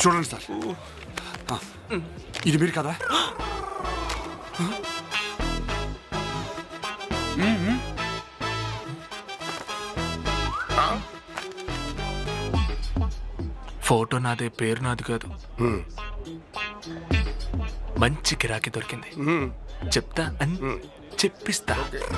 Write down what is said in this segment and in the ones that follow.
చూడండి సార్, ఇది మీరు కదా? ఫోటో నాదే, పేరు నాది కాదు. మంచి గిరాకీ దొరికింది, చెప్తా అని చెప్పిస్తా.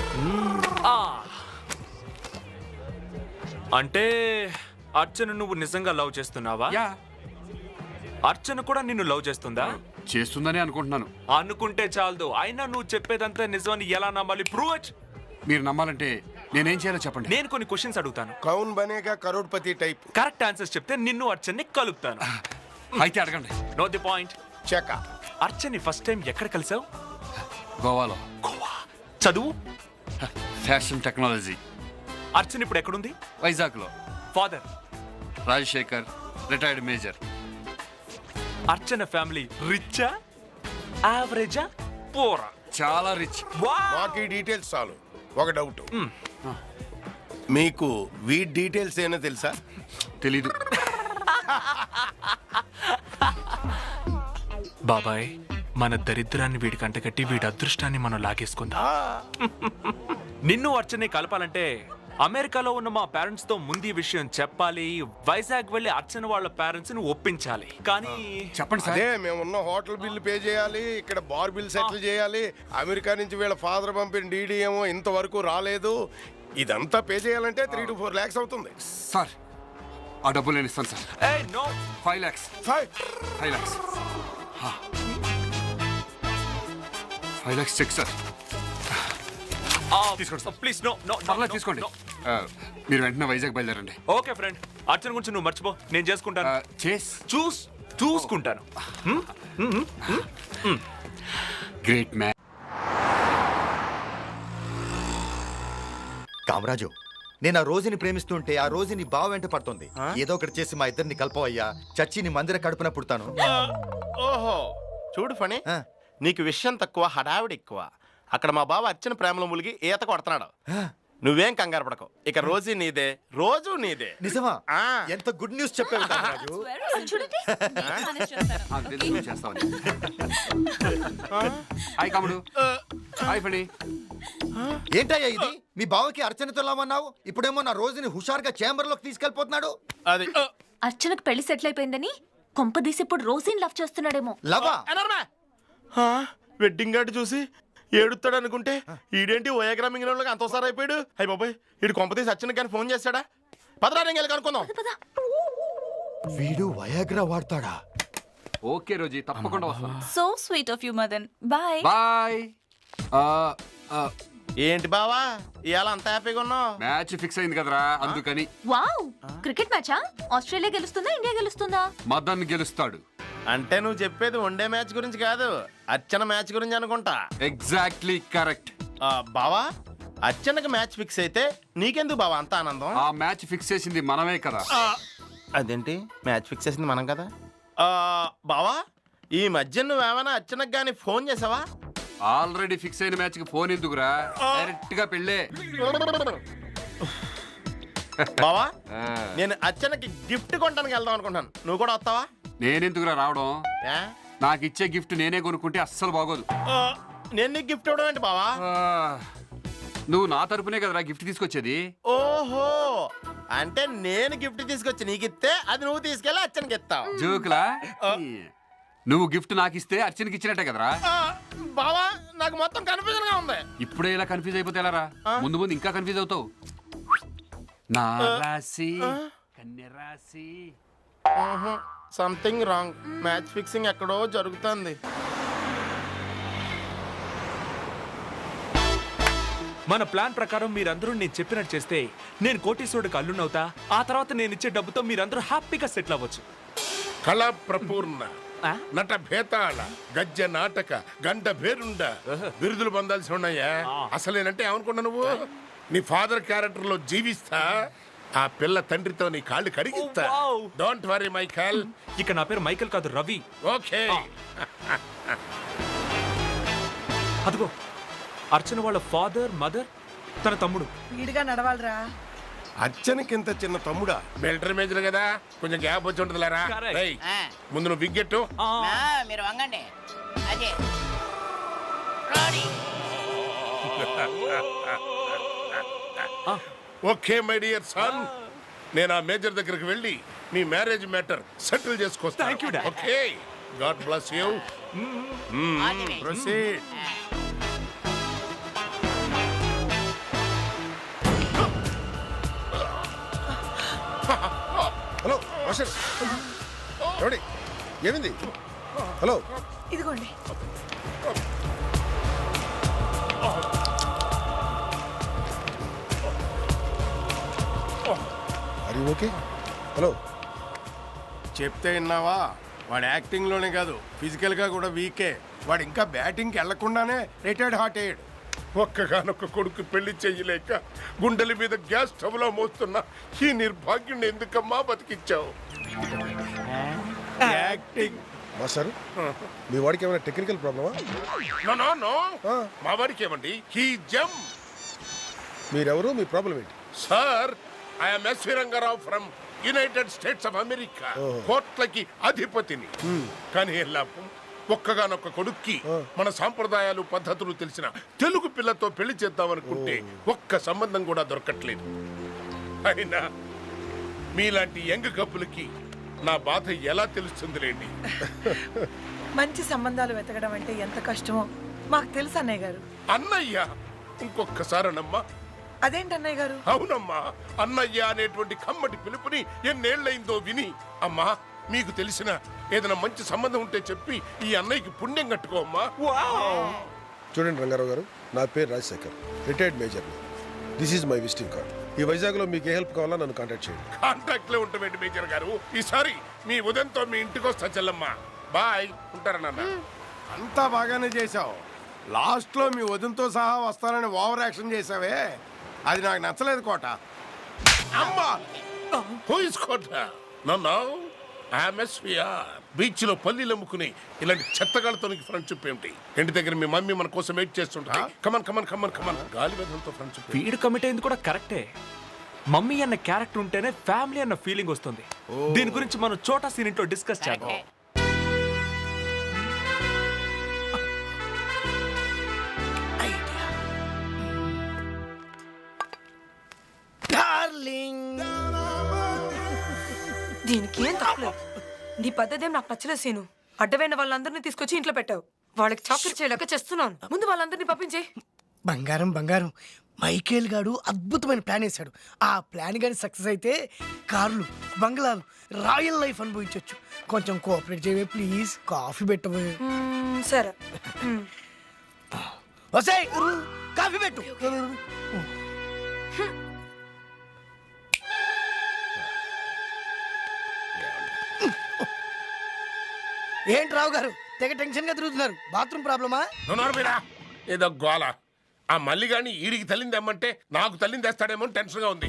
అంటే అర్చన నువ్వు నిజంగా లవ్ చేస్తున్నావా? అర్చన కూడా నిన్ను లవ్ చేస్తుందా? చేస్తుందని అనుకుంటున్నాను. అనుకుంటే చాలదు, అయినా నువ్వు చెప్పేదంతా నిజమని ఎలా నమ్మాలి? Prove it. మీరు నమ్మాలంటే నేనేం చేయాలో చెప్పండి. నేను కొన్ని క్వశ్చన్స్ అడుగుతాను, Kaun Banega Crorepati type. Correct answers చెప్తే నిన్ను అర్చన్ని కలుపుతాను. అయితే అడగండి. No the point. చెక. అర్చన్ని ఫస్ట్ టైం ఎక్కడ కలిసావు? గోవాలో. గోవా. చదువు? Fashion technology. అర్చన ఇప్పుడు ఎక్కడుంది? వైజాగ్లో. ఫాదర్? Rajasekhar, retired major. అర్చన ఫ్యామిలీ రిచ్చా, యావరేజా, పోరా? చాలా రిచ్. మాకు ఈ డీటెయిల్స్ చాలు. ఒక డౌట్, మీకు వీటి డీటెయిల్స్ ఏమో తెలుసా? తెలీదు. బాబాయ్, మన దరిద్రాన్ని వీడికి అంటగట్టి వీడి అదృష్టాన్ని మనం లాగేసుకుందాం. నిన్ను అర్చనే కలపాలంటే అమెరికాలో ఉన్న మా పేరెంట్స్ తో ముందు ఈ విషయం చెప్పాలి. వైజాగ్ వెళ్ళి అర్చన వాళ్ళ పేరెంట్స్ ని ఒప్పించాలి. కానీ చెప్పండి సార్. అదే మేమున్న హోటల్ బిల్లు పే చేయాలి, ఇక్కడ బార్ బిల్ సెటిల్ చేయాలి, అమెరికా నుంచి వీళ్ళ ఫాదర్ పంపిన డీడీ ఏమో ఇంతవరకు రాలేదు. ఇదంతా పే చేయాలంటే 3 to 4 lakhs అవుతుంది. సార్, ఆ డబ్బులు నేను ఇస్తాను sir. 5 lakhs. 5 lakhs. 5 lakhs cheque sir. తీసుకోండి సార్. ప్లీజ్. నో నో పర్లేదు, తీసుకోండి. మీరు వెంటనే వైజాగ్ బయలుదేరండి. ఓకే ఫ్రెండ్, అర్చన గురించి నువ్వు మర్చిపో, నేను చేసుకుంటాను. చూసుకుంటాను. Great man. కామరాజు, నేను ఆ రోజుని ప్రేమిస్తుంటే ఆ రోజుని బావ వెంట పడుతుంది. ఏదో ఒకటి చేసి మా ఇద్దరిని కలపవయ్యా. చచ్చి నీ మందిర కడుపున పుడతాను. ఓహో, చూడు ఫణి, నీకు విషయం తక్కువ, హడావిడి ఎక్కువ. అక్కడ మా బావ అర్చన ప్రేమలో ములిగి ఈత కొడుతున్నాడు. నువ్వేం కంగారు పడకు, ఇక రోజు నీదే, రోజు నీదే. నిజమా? ఎంత గుడ్ న్యూస్ చెప్పావు కామరాజు. హాయ్ కాముడు. హాయ్ ఫణి. ఏంటయ్యా ఇది? మీ బావకి అర్చనతో లామన్నావు, ఇప్పుడేమో నా రోజుని హుషారుగా చేంబర్ లోకి తీసుకెళ్లిపోతున్నాడు. అది అర్చనకు పెళ్లి సెటిల్ అయిపోయిందని కొంపదీసి ఇప్పుడు రోజీని లవ్ చేస్తున్నాడేమో. లవా? వెడ్డింగ్ కార్డు చూసి ఏడుస్తాడు అనుకుంటే ఈడేంటి ఓయాగ్రా మింగిన అంతోసారి అయిపోయాడు. అయ్యి బాబాయ్, వీడు కొంపతీసి అర్చన కానీ ఫోన్ చేస్తాడా? పదరాని కనుక్కుందాం. వీడు వయాగ్రా వాడతాడా? ఓకే రోజీ, తప్పకుండా వస్తాను. So sweet of you Madan. Bye bye. ఏంటి బావా ఇవాళ అంత హ్యాపీగా ఉన్నావు? మ్యాచ్ ఫిక్స్ అయింది కదరా, అందుకని. వావ్, క్రికెట్ మ్యాచా? ఆస్ట్రేలియా గెలుస్తుందా, ఇండియా గెలుస్తుందా? మదన్ గెలుస్తాడు. అంటే నువ్వు చెప్పేది వన్డే మ్యాచ్ గురించి కాదు, అర్చన మ్యాచ్ గురించి అనుకుంటా. Exactly correct. బావా, అర్చనకి మ్యాచ్ ఫిక్స్ అయితే నీకెందుకు బావా అంత ఆనందం? ఆ మ్యాచ్ ఫిక్స్ చేసింది మనమే కదా. అదేంటి మ్యాచ్ ఫిక్స్ చేసింది మనం కదా? బావా, ఈ మధ్య నువ్వేమైనా అర్చనకు గానీ ఫోన్ చేసావా? ఆల్రెడీ ఫిక్స్ అయిన మ్యాచ్ కి ఫోన్ ఎందుకురా, డైరెక్ట్ గా పెళ్ళే. బావా, నేను అర్చనకి గిఫ్ట్ కొనడానికి వెళ్దాం అనుకుంటాను, నువ్వు కూడా వస్తావా? నేనెందుకురా రావడం? నాకు ఇచ్చే గిఫ్ట్ నేనే కొనుక్కుంటే అస్సలు బాగోదు. నేను నీకు గిఫ్ట్ ఇవ్వడం ఏంటి బావా? నువ్వు నా తరపునే కదరా గిఫ్ట్ తీసుకొచ్చేది. ఓహో, అంటే నేను గిఫ్ట్ తీసుకొచ్చి నీకు ఇస్తే అది నువ్వు తీసుకెళ్ళి అర్చనకి ఇస్తావు. జోకులా? నువ్వు గిఫ్ట్ నాకు ఇస్తే అర్చనకి ఇచ్చినట్టే కదరా. బావా, నాకు మొత్తం కన్ఫ్యూజన్ గా ఉంది. ఇప్పుడే ఇలా కన్ఫ్యూజ్ అయిపోతే ఎలారా? ముందు ముందు ఇంకా కన్ఫ్యూజ్ అవుతావు. నా రాశి కన్య రాశి. Something wrong. మ్యాచ్ ఫిక్సింగ్ ఎక్కడో జరుగుతుంది. మన ప్లాన్ ప్రకారం మీరందరూ నేను చెప్పినట్టు చేస్తే నేను కోటీశ్వరుడికి అల్లునవుతా. ఆ తర్వాత నేను ఇచ్చే డబ్బుతో మీరందరూ హ్యాపీగా సెటిల్ అవ్వచ్చు. కళా ప్రపూర్ణ, నట భేతాళ, గజ్జ నాటక, గంట భేరుండ బిరుదులు పొందాల్సి ఉన్నాయా? అసలేనంటే ఏమనుకున్నా నువ్వు? నీ ఫాదర్ క్యారెక్టర్ లో జీవిస్తా, ఆ పిల్ల తండ్రితో నీ కాళ్ళు కడిగిస్తా. Don't worry Michael. ఇక నా పేరు మైకేల్ కాదు, రవి. ఓకే. అదిగో అర్చన వాళ్ళ ఫాదర్, మదర్, తన తమ్ముడు. వీడిగా నడవాలరా. అచ్చనికి ఇంత చిన్న తమ్ముడా మిలిటరీ మేజర్ కదా కొంచెం గ్యాప్ వచ్చి ఉంటుంది లేరా Correct. రేయ్, ముందు నువ్వు బిగ్గెట్టు మీరు వంగండి అదే ready. Okay my dear son నేను ఆ మేజర్ దగ్గరికి వెళ్ళి మీ marriage matter settle Thank you, చేసుకొస్తాను Dad. Okay god bless you All the way. Proceed hello master ఎవడి ఏమింది హలో ఇదిగోండి అది ఓకే హలో చెప్తే విన్నావా వాడు యాక్టింగ్ లోనే కాదు ఫిజికల్ గా కూడా వీకే వాడు ఇంకా బ్యాటింగ్ వెళ్లకుండానే రిటైర్డ్ హార్ట్ అయ్యాడు ఒక్కగానొక్క కొడుకు పెళ్లి చెయ్యలేక గుండెల మీద గ్యాస్ స్టవ్ లో మోస్తున్నా ఈ నిర్భాగ్యుని ఎందుకమ్మా బతికిచ్చావు యాక్టింగ్ మాస్టర్ మీ వాడికి ఏమైనా టెక్నికల్ ప్రాబ్లమా నో నో నో మా వాడికి ఏమండి హీ జమ్ మీరెవరు మీ ప్రాబ్లం ఏంటి sir I'm SV Rangarao from United States of America కోట్లకి అధిపతిని కానీ లాభం ఒక్కగానొక్క కొడుక్కి మన సాంప్రదాయాలు పద్ధతులు తెలిసిన తెలుగు పిల్లతో పెళ్లి చేద్దామనుకుంటే ఒక్క సంబంధం కూడా దొరకట్లేదు అయినా మీలాంటి యంగ్ కప్పులకి నా బాధ ఎలా తెలుస్తుందిలేండి మంచి సంబంధాలు వెతకడం అంటే ఎంత కష్టమో మాకు తెలుసు అన్నయ్య గారు. అన్నయ్య ఇంకొక్కసారనమ్మా అదేంటి అన్నయ్య గారు? అవునమ్మా అన్నయ్య అనేటువంటి కమ్మటి పిలుపుని ఎన్నేళ్లైందో విని అమ్మా మీకు తెలిసిన ఏదైనా మంచి సంబంధం ఉంటే చెప్పి ఈ అన్నయ్యకి పుణ్యం కట్టుకోమ్మా చూడండి రంగారావు గారు నా పేరు Rajasekhar retired major this is my visiting card ఈ వైజాగ్లో మీకు ఏ హెల్ప్ కావాలో నన్ను కాంటాక్ట్ చేయండి కాంటాక్ట్ లో ఉంటామేంటి మేజర్ గారు ఈసారి మీ ఉదయంతో మీ ఇంటికి వస్తా చెల్లమ్మా బాయ్ ఉంటారా నాన్న అంతా బాగానే చేశావు లాస్ట్ లో మీ వదినతో సహా వస్తానని ఓవర్ యాక్షన్ చేసావే అది నాకు నచ్చలేదు కోట. అమ్మా పోయిసుకోట నన్ను బీచ్ లో పల్లీలు అమ్ముకుని ఇలాంటి చెత్తగాళ్ళతో ఫ్రెండ్షిప్ ఏమిటి ఇంటి దగ్గర మీ మమ్మీ మన కోసం వెయిట్ చేస్తుంటా కమన్ కమన్ కమన్ కమన్ గాలి వెదంతో ఫ్రెండ్షిప్ వీడు కమిట్ అయింది కూడా కరెక్టే. మమ్మీ అన్న క్యారెక్టర్ ఉంటేనే ఫ్యామిలీ అన్న ఫీలింగ్ వస్తుంది. దీని గురించి మనం చోటా సీన్ ఇంట్లో డిస్కస్ చేద్దాం. దీనికి ఏం తప్పలేదు. నీ పద్ధతి ఏం నాకు నచ్చలేదు సీను. అడ్డమైన వాళ్ళందరినీ తీసుకొచ్చి ఇంట్లో పెట్టావు. వాళ్ళకి చాకరీ చేయలేక చేస్తున్నాను. ముందు వాళ్ళందరినీ పంపించే. బంగారం బంగారం మైకేల్ గాడు అద్భుతమైన ప్లాన్ వేశాడు. ఆ ప్లాన్ కానీ సక్సెస్ అయితే కార్లు బంగ్లాలు రాయల్ లైఫ్ అనుభవించవచ్చు. కొంచెం కోఆపరేట్ చేయవే ప్లీజ్. కాఫీ పెట్టవే. సరే వసాయ్ కాఫీ పెట్టు. ఏంటి రావు గారు తెగ టెన్షన్ గా తిరుగుతున్నారు? బాత్రూమ్ ప్రాబ్లమా? మీరా ఏదో గోల ఆ మల్లిగాని ఈడికి తల్లింది అమ్మంటే నాకు తల్లింది తెస్తాడేమో టెన్షన్ గా ఉంది.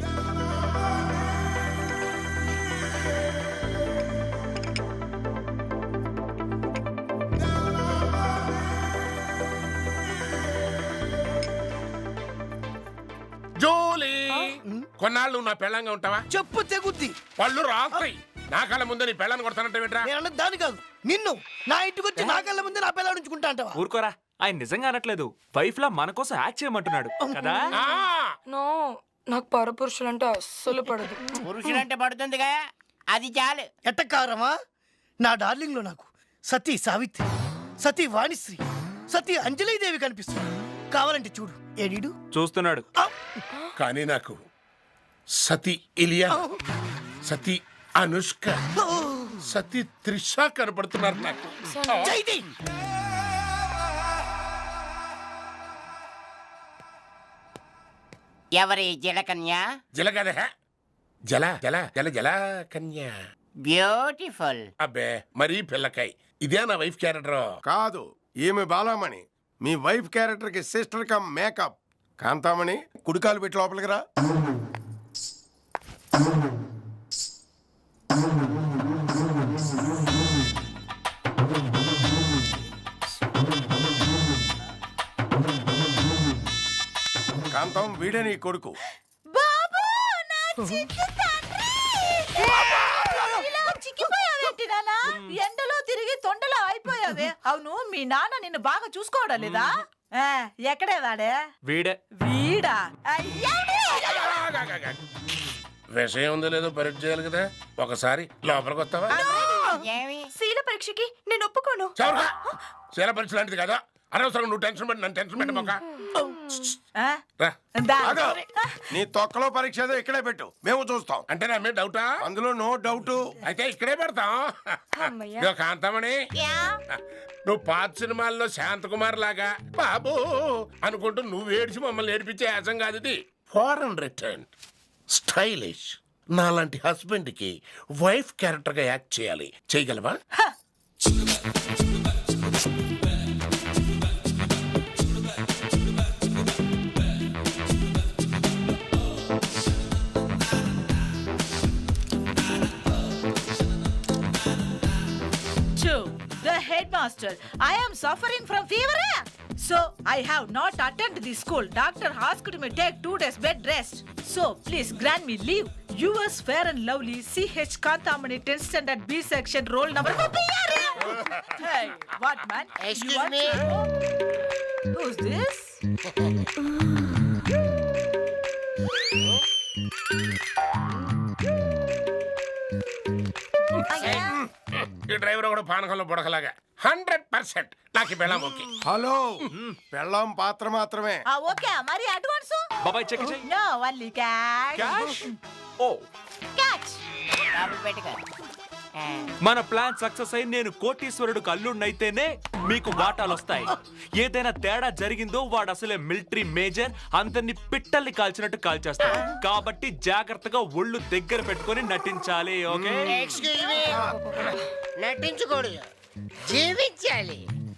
జోలీ కొన్నాళ్ళు నువ్వు నా పెళ్ళంగా ఉంటావా? చెప్పు తెగుద్ది. వాళ్ళు రాస్తాయి నా కళ్ళ ముందే నీ పెళ్ళాన్ని కొడతానంటే నేను అన్నది దాని కాదు నిన్ను. నా ఇంటికి వచ్చి నా కళ్ళ ముందే నా పిల్లలు ఉంచుకుంటా అంటావా? ఊరుకోరా, ఆయన నిజంగా అనట్లేదు. వైఫ్ లా మన కోసం యాక్ట్ చేయమంటున్నాడు కదా. నో, నాకు పరపురుషులంటే అస్సలు పడదు. పురుషులంటే పడుతుందిగా అది చాలు. ఎట్టకారమా? నా డార్లింగ్ లో నాకు సతీ సావిత్రి, సతీ వాణిశ్రీ, సతీ అంజలీదేవి కనిపిస్తుంది. కావాలంటే చూడు. ఏడీడు చూస్తున్నాడు. కానీ నాకు సతీ ఇలియా, సతీ అనుష్క, సతీ త్రిష కనపడుతున్నారు నాకు. జైది ఎవరి జలకన్య? జలగద జల జల జల జల కన్యా. బ్యూటిఫుల్. అబ్బే మరీ పిల్లకాయ్. ఇదే నా వైఫ్ క్యారెక్టర్ కాదు, ఈమె బాలామణి మీ వైఫ్ క్యారెక్టర్ కి సిస్టర్ కమ్ మేకప్. కాంతామణి కుడికాలు పెట్టి లోపలికి రా. కాంతం వీడే నీ కొడుకు. బాబు నా చిక్కిపోయావేంటి నాన్న? ఎండలో తిరిగి తొండలో అయిపోయావే. అవును మీ నాన్న నిన్ను బాగా చూసుకోవడం లేదా? ఎక్కడే వాడే? వీడే. వీడా? విషయం ఉందో లేదో పరీక్ష చేయాలి కదా, ఒకసారి లోపలికి వస్తావా? శీల పరీక్షకి నేను ఒప్పుకోను. శీల పరీక్ష లాంటిది కదా, అనవసరం నువ్వు టెన్షన్ పెట్టి నన్ను టెన్షన్ పెట్టమాక. నీ తొక్కలో పరీక్ష ఏదో ఇక్కడే పెట్టు, మేము చూస్తాం. అంటే నా మీద డౌటా? అందులో నో డౌట్. అయితే ఇక్కడే పెడతాం. ఇదిగో కాంతమణి, నువ్వు పాత సినిమాల్లో శాంతకుమార్ లాగా బాబు అనుకుంటూ నువ్వు ఏడ్చి మమ్మల్ని ఏడిపించే యాసం కాదు ఇది. ఫారెన్ రిటర్న్ స్టైలిష్ నాలాంటి హస్బెండ్ కి వైఫ్ క్యారెక్టర్ గా యాక్ట్ చేయాలి, చేయగలవా? The headmaster, I am suffering from fever. So I have not attended the school. Doctor asked me to take 2 days bed rest. So please grant me leave. Yours fair and lovely, CH Kantamani, 10th standard B section, roll number. Hey, what man? Excuse me. Who's this? ఈ driver కూడా పానకంలో బుడకలాగా 100% నాకు బెళ్ళం okay. Hello, పెళ్ళాం పాత్ర మాత్రమే. Okay, మరి advance? బాబాయ్ check చేయి. No, only cash. Cash? ఓ Cash. డబ్బులు పెట్టుకో. మన ప్లాన్ సక్సెస్ అయి నేను కోటీశ్వరుడికి అల్లుడినైతేనే మీకు వాటాలు వస్తాయి. ఏదైనా తేడా జరిగిందో వాడు అసలే మిలిటరీ మేజర్, అందరిని పిట్టల్ని కాల్చినట్టు కాల్చేస్తాడు. కాబట్టి జాగ్రత్తగా ఒళ్ళు దగ్గర పెట్టుకొని నటించాలి. ఓకే? Excuse me. నటించకూడదు, జీవించాలి.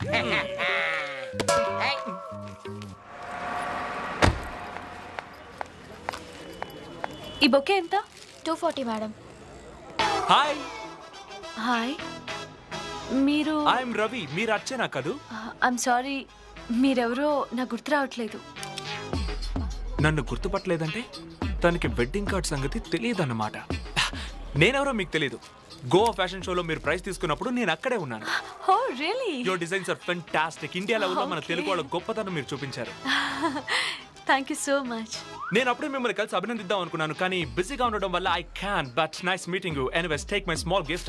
ఈ బొకే ఎంత? 240 మేడం. హాయ్. హాయ్, మీరు? ఐఎమ్ రవి. మీరు అర్చనా కదూ? ఐఎమ్ సారీ, మీరెవరో నాకు గుర్తు రావట్లేదు. నన్ను గుర్తుపట్టలేదంటే తనకి వెడ్డింగ్ కార్డ్ సంగతి తెలియదన్నమాట. నేనెవరో మీకు తెలీదు. గోవా ఫ్యాషన్ షోలో మీరు ప్రైజ్ తీసుకున్నప్పుడు నేను అక్కడే ఉన్నాను. Oh really? Your designs are fantastic. India లెవెల్లో మన తెలుగు వాళ్ళ గొప్పతనం మీరు చూపించారు. Thank you so much. నేను అప్పుడే మిమ్మల్ని కలిసి అభినందిద్దాం అనుకున్నాను, కానీ బిజీగా ఉండడం వల్ల I can. But nice meeting you. Anyways take my small gift.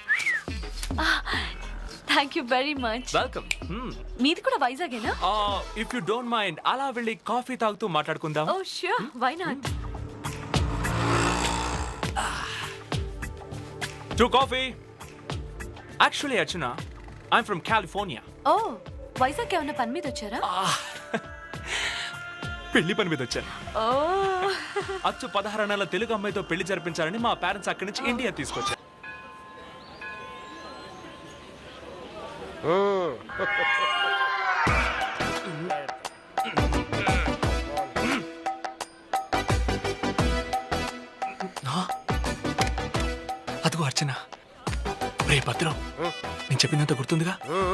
Thank you very much. Welcome. మీది కూడా వైజాగేనా? ఇఫ్ యూ డోంట్ మైండ్ అలా వెళ్ళి కాఫీ తాగుతూ మాట్లాడుకుందాం. Oh sure, why not? To coffee. Actually Archana, I'm from California. Oh, Vizag ఏమన్నా పని మీద వచ్చారా? పెళ్లి పని మీద వచ్చాను. ఓ, అచ్చు 16 నెలల తెలుగు అమ్మాయితో పెళ్లి జరిపించాలని మా పేరెంట్స్ అక్కడి నుంచి ఇండియా తీసుకొచ్చారు. అదిగో అర్చన. రే భద్రం, నేను చెప్పినంత గుర్తుందిగా?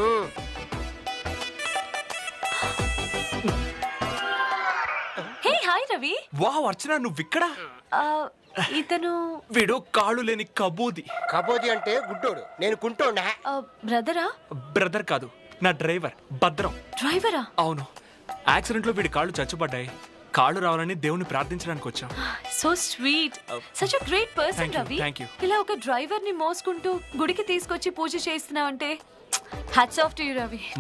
Hey hi Ravi. Wow Archana, నువ్విక్కడ? ఇతను వీడు కాళ్ళు లేని కబూది. కబోది అంటే గుడ్డోడు, నేను కుంటోండా. బ్రదరా? బ్రదర్ కాదు, నా డ్రైవర్ భద్రం. డ్రైవరా? అవును. యాక్సిడెంట్ లో వీడి కాళ్ళు చచ్చుపడ్డాయి. కాళ్ళు రావాలని దేవుని ప్రార్థించడానికి వచ్చాం. So sweet, such a great person Ravi. ఇలా ఒక డ్రైవర్ ని మోసుకుంటూ గుడికి తీసుకొచ్చి పూజ చేస్తున్నావంటే hats off to you Ravi.